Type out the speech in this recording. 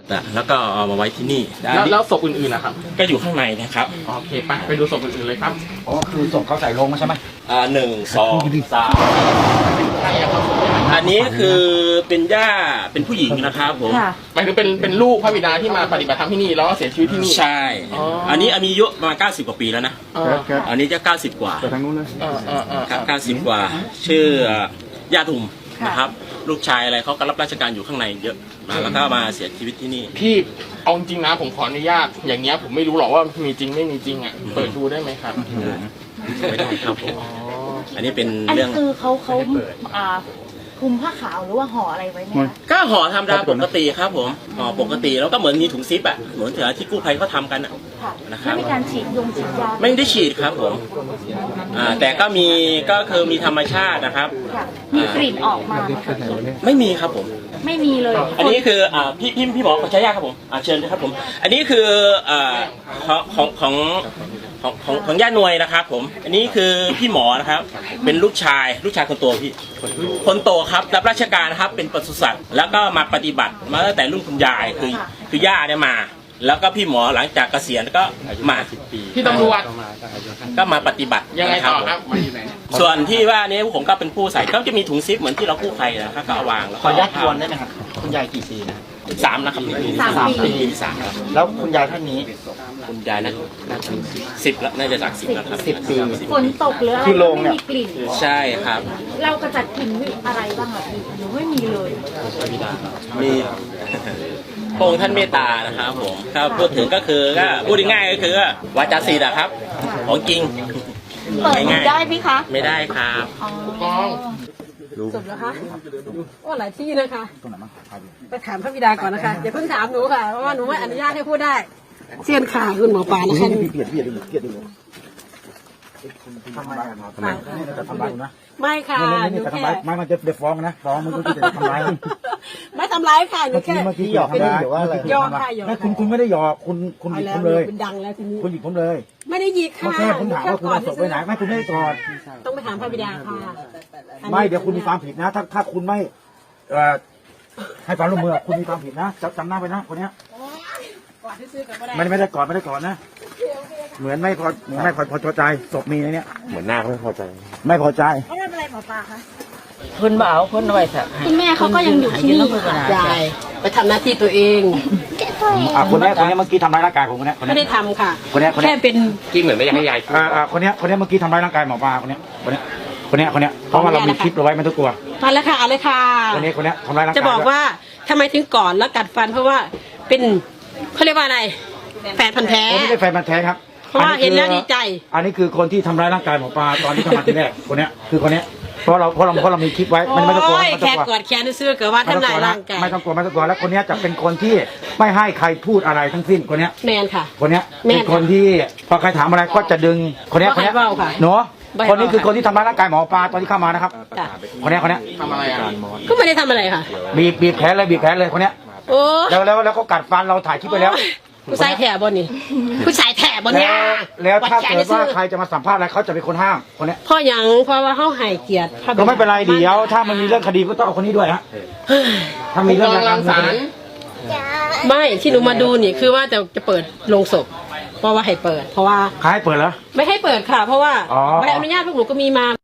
แล้วก็เอามาไว้ที่นี่แล้วศพอื่นๆนะครับก็อยู่ข้างในนะครับโอเคไปดูศพอื่นๆเลยครับอ๋อคือศพเขาใส่ลงใช่ไหม 1 2 3อันนี้คือเป็นย่าเป็นผู้หญิงนะครับผมหมายถึงเป็นลูกพระบิดาที่มาปฏิบัติธรรมที่นี่แล้วก็เสียชีวิตที่นี่ใช่อันนี้มีอายุประมาณ90 กว่าปีแล้วนะอันนี้จะ90 กว่าไปทางนู้นเลยครับ90 กว่าชื่อย่าทุมนะครับลูกชายอะไรเขาก็รับราชการอยู่ข้างในเยอะแล้วก็มาเสียชีวิตที่นี่พี่เอาจริงนะผมขออนุญาตอย่างเงี้ยผมไม่รู้หรอกว่ามีจริงไม่มีจริงอ่ะเปิดดูได้ไหมครับไม่ได้ครับผมอันนี้เป็นอันเรื่นี้องคือเขาคลุมผ้าขาวหรือว่าห่ออะไรไว้ไหมคะก็ห่อธรรมดาปกติครับผมห่อปกติแล้วก็เหมือนมีถุงซิปอ่ะเหมือนที่กู้ภัยเขาทำกันค่ะนะครับไม่มีการฉีดยาไม่ได้ฉีดครับผมแต่ก็คือมีธรรมชาตินะครับค่ะมีกลิ่นออกมาไหมคะไม่มีครับผมไม่มีเลยอันนี้คือพี่หมอขอใช้ยาครับผมเชิญครับผม อันนี้คือของย่าหน่วยนะครับผมอันนี้คือพี่หมอนะครับเป็นลูกชายคนโตพี่คนโตครับรับราชการนะครับเป็นปศุสัตว์แล้วก็มาปฏิบัติมาตั้งแต่รุ่นคุณยายคือย่าเนี่ยมา แล้วก็พี่หมอหลังจากเกษียณก็มาพี่ตำรวจก็มาปฏิบัติยังไงต่อครับส่วนที่ว่านี้ผมก็เป็นผู้ใส่ก็จะมีถุงซิปเหมือนที่เรากู้ภัยนะครับก็เอาวางแล้วขออนุญาตทวนได้ไหมครับคุณยายกี่ปีนะ 3นะครับ 3 ปีสามครับแล้วคุณยายท่านนี้คุณยายน่าจะ10แล้วน่าจะจาก10แล้วครับ 10 ปีฝนตกหรืออะไรคือโรงเนี่ไม่ยมีกลิ่นใช่ครับเรากระจัดกลิ่นอะไรบ้างอะพี่หนูไม่มีเลยมีพระองค์ท่านเมตตานะครับผมถ้าพูดถึงก็คือก็พูดง่ายๆก็คือว่าวาจาศีลอะครับของจริงเปิดดูได้ไหมคะไม่ได้ครับกองจบแล้วคะโอ้หลายที่นะคะตรงไหนบ้างถ่ายดูไปถามพระบิดาก่อนนะคะอย่าเพิ่งถามหนูค่ะเพราะว่าหนูไม่อนุญาตให้พูดได้เสียนข่าวคุณหมอปลานะคะเปลี่ยนดูทำไมครับทำไมนี่จะทำร้ายนะไม่ค่ะหนี่นูจะแค่ทำร้ายไม่มันจะฟ้องนะฟ้องมันก็จะทำร้ายไม่ทำร้ายค่ะหนูเมื่อแค่กี้หยอกไม่ได้หรือว่าอะไรหยอกค่ะหยอกไม่คุณไม่ได้หยอกคุณหเอายิบแล้ผวมเลยเป็นดังแล้วทีนี้คุณหยิบผมเลยไม่ได้หยิกเมื่ค่ะอแค่ผมถามว่าคุณเอาศพไปไหนไม่คุณไม่ได้กอดต้องไปถามพระบิดาค่ะไม่เดี๋ยวคุณมีความผิดนะ ถ้าคุณไม่ให้ความร่วมมือคุณมีความผิดนะจำหน้าไปนะคนเนี้ยก่อนที่ซื้อกันก็ได้ไม่ได้กอดนะเหมือนไม่พอใจศพมีในเนี้ยเหมือนหน้าไม่พอใจไม่พอใจไม่เป็นไรหมอปลาคะคนบ่เอาคนเอาไว้สักคุณแม่เขาก็ยังอยู่ที่นี่ค่ะยายไปทำหน้าที่ตัวเองคนนี้เมื่อกี้ทำร้ายร่างกายผมคนนี้ไม่ได้ทำค่ะคนนี้แค่เป็นกินเหมือนไม่อยากให้ยายคนนี้เมื่อกี้ทำร้ายร่างกายหมอปลาคนนี้เพราะว่าเรามีคลิปเราไว้ไม่ต้องกลัวมาแล้วค่ะเอาเลยค่ะคนนี้ทำร้ายร่างกายจะบอกว่าทำไมถึงก่อนแล้วกัดฟันเพราะว่าเป็นเขาเรียกว่าอะไรแฟนพันธุ์แท้ไม่ได้แฟนมันแท้ครับเพราะว่าเห็นแล้วดีใจอันนี้คือคนที่ทำร้ายร่างกายหมอปลาตอนที่เข้ามาทีแรกคนนี้คือคนนี้เพราะเรามีคลิปไว้ไม่ต้องกลัวโอ้ยแค่กอดแขนซื้อเกิดว่าทำลายร่างกายไม่ต้องกลัวแล้วคนนี้จะเป็นคนที่ไม่ให้ใครพูดอะไรทั้งสิ้นคนนี้แมนค่ะคนเนี้ยแม่เป็นคนที่พอใครถามอะไรก็จะดึงคนเนี้ยบ่ให้เว้าค่ะหนูบ่ให้คนนี้เว้าคือคนที่ทำร้ายร่างกายหมอปลาตอนที่เข้ามานะครับจ้ะคนเนี้ยทำอะไรอ่ะก็ไม่ได้ทำอะไรค่ะบีบแขนเลยคนเนี้ยโอ้แล้วก็กัดฟันเราถ่ายคลิปไปแล้วผู้ชายแถบบนนี่ผู้ชายแถบบนเนี่ยแล้วถ้าดแขนเกิดซื้ว่าอใครจะมาสัมภาษณ์อะไรเขาจะเป็นคนห้ามคนเนี้ยพ่อหยังเพราะว่าเขาให้เกียรติพะบิดาก็ไม่เป็นไรเดี๋ยวถ้ามันมีเรื่องคดีก็ต้องเอาคนนี้ด้วยฮะถ้ามีเรื่องกำลังสารไม่ที่หนูมาดูนี่คือว่าจะเปิดโรงศพเพราะว่าให้เปิด เพราะว่าใครให้เปิดเหรอไม่ให้เปิดค่ะ เพราะว่าอ๋อใบอนุญาตพวกหนูก็มีมา